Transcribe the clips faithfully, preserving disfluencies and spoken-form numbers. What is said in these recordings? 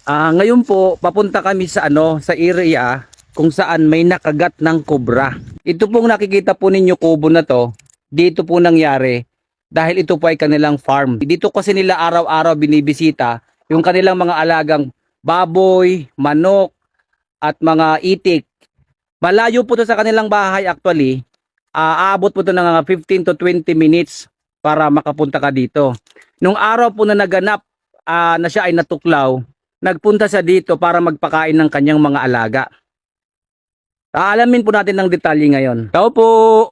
Ah, ngayon po, papunta kami sa ano, sa area kung saan may nakagat ng kobra. Ito pong nakikita po ninyo kubo na to, dito po nangyari dahil ito po ay kanilang farm. Dito kasi nila araw-araw binibisita yung kanilang mga alagang baboy, manok at mga itik. Malayo po to sa kanilang bahay actually. Ah, aabot po to ng mga fifteen to twenty minutes para makapunta ka dito. Nung araw po na naganap ah, na siya ay natuklaw, nagpunta siya dito para magpakain ng kanyang mga alaga. Aalamin po natin ng detalye ngayon. Tao po!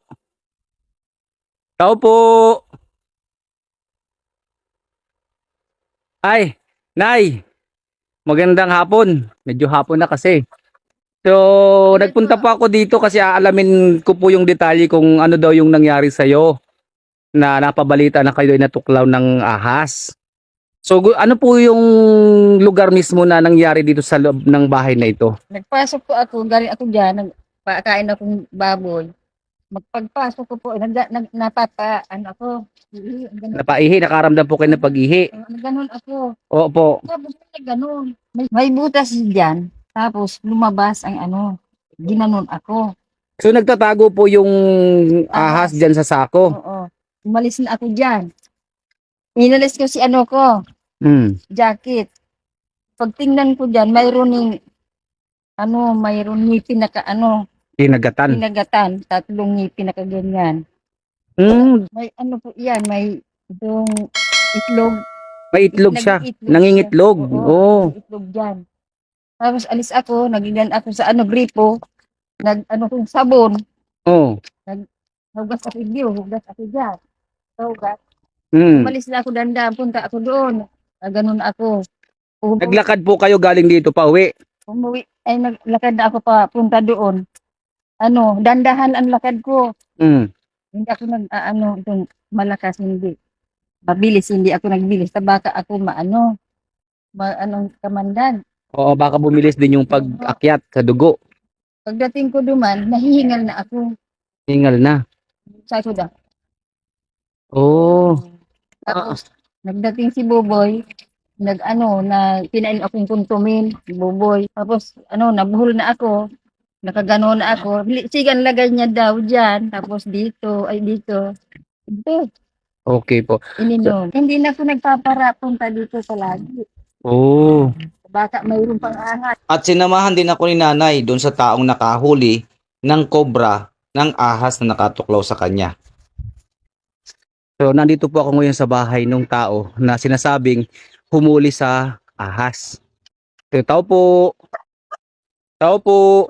Tao po! Ay, Nay! Magandang hapon. Medyo hapon na kasi. So, nagpunta po ako dito kasi aalamin ko po yung detalye kung ano daw yung nangyari sa'yo na napabalita na kayo ay natuklaw ng ahas. So, gu- ano po yung lugar mismo na nangyari dito sa loob ng bahay na ito? Nagpasok po ako, galing ako dyan, nagpakain akong baboy. Magpagpasok ko po, nag, nag, napapa, ano ako, ihi, ganun, Napaihi, nakaramdam po kayo ng pag-ihi. uh, ganun ako. Opo. Tapos may ganun. May, may butas dyan, tapos lumabas ang ano, ginanon ako. So, nagtatago po yung ahas Ahas. dyan sa sako. Oo. Umalis na ako dyan. Inalis ko si ano ko, Hmm. jacket. Pagtingnan ko dyan, mayroon ng, ano, mayroon ngipin na ka, ano, Pinagatan. pinagatan, tatlong ngipin na kaganyan. Hmm. May ano po yan, may itong itlog. May itlog siya. Nag-iitlog Nangingitlog. siya. Oo, Oo. may itlog dyan. Tapos alis ako, nagigan ako sa ano, gripo. Nag, ano kong sabon. Oh. Hugas ako diyo, hugas ako dyan. So, hugas. Hmm. Umalis na ako dandaan, punta ako doon. Ah, ganun ako. Umuwi, Naglakad po kayo galing dito pa uwi. umuwi, ay naglakad na ako pa, punta doon. Ano, dandahan ang lakad ko. Hmm. Hindi ako nag, ah, ano, itong malakas, hindi. Mabilis, hindi ako nagbilis. Baka ako maano, ma, anong kamandan. Oo, baka bumilis din yung pag-akyat sa dugo. Pagdating ko duman, nahihingal na ako. Hingal na. Sa suda. Oh. Tapos, nagdating si Boboy, nag-ano, na pinain akong kuntumin, si Boboy. Tapos, ano, nabuhol na ako. Nakagano na ako. Li- Sigan lagay niya daw dyan. Tapos dito, ay dito. Ito, Okay po. ininom. Hindi na ako nagpapara punta dito sa lagi. Oh. Baka mayroon pang angat. At sinamahan din ako ni nanay doon sa taong nakahuli ng kobra ng ahas na nakatuklaw sa kanya. So nandito po ako ngayon sa bahay ng tao na sinasabing humuli sa ahas. So, tao po. Tao po.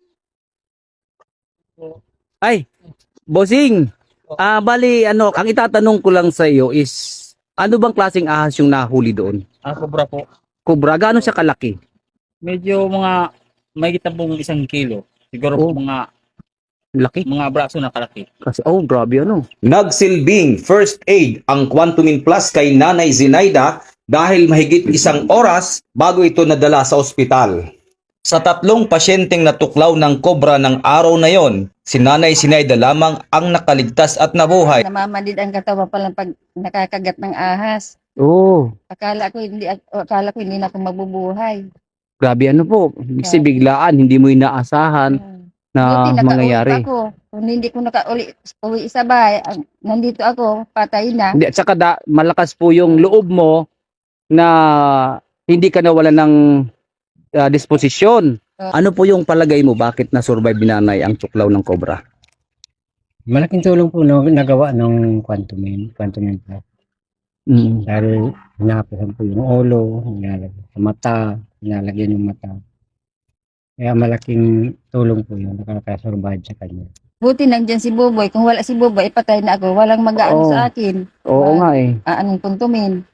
Ay, bossing. Ah, bali ano, ang itatanong ko lang sa iyo is ano bang klaseng ahas yung nahuli doon? Ah, kobra po. Kobra, gaano siya kalaki? Medyo mga may pong isang kilo. Siguro Oh. po mga Laki. mga braso na kalaki. Kasi oh, grabe ano. Nagsilbing first aid ang Quantumin Plus kay Nanay Zinaida dahil mahigit isang oras bago ito nadala sa ospital. Sa tatlong pasyenteng natuklaw ng kobra ng araw na yon, si Nanay Zinaida lamang ang nakaligtas at nabuhay. Namamadid ang katawan pa lang pag nakakagat ng ahas. Oh, Akala ko hindi akala ko hindi na ako mabubuhay. grabe ano po. Kasi biglaan, hindi mo inaasahan Hmm. na Buti nakauwi mangyayari. pa ako. Kung hindi ko nakauli uwi sa bahay, ang- nandito ako, patay na. Hindi, at saka da, malakas po yung loob mo na hindi ka nawala ng ah, disposisyon. Oo. Ano po yung palagay mo? Bakit na-survive ni nanay ang tuklaw ng kobra? Malaking tulong po no, nagawa ng Quantumin, Quantumin Plus. Mm. Dahil hinahapasan po yung ulo, nilalagyan sa mata, nilalagyan yung mata. Kaya malaking tulong po yun, nakakasurvive sa kanya. Buti nandyan si Boboy. Kung wala si Boboy, patay na ako. Walang mag-aano Oo. sa akin. Oo nga eh. Aanong puntumin.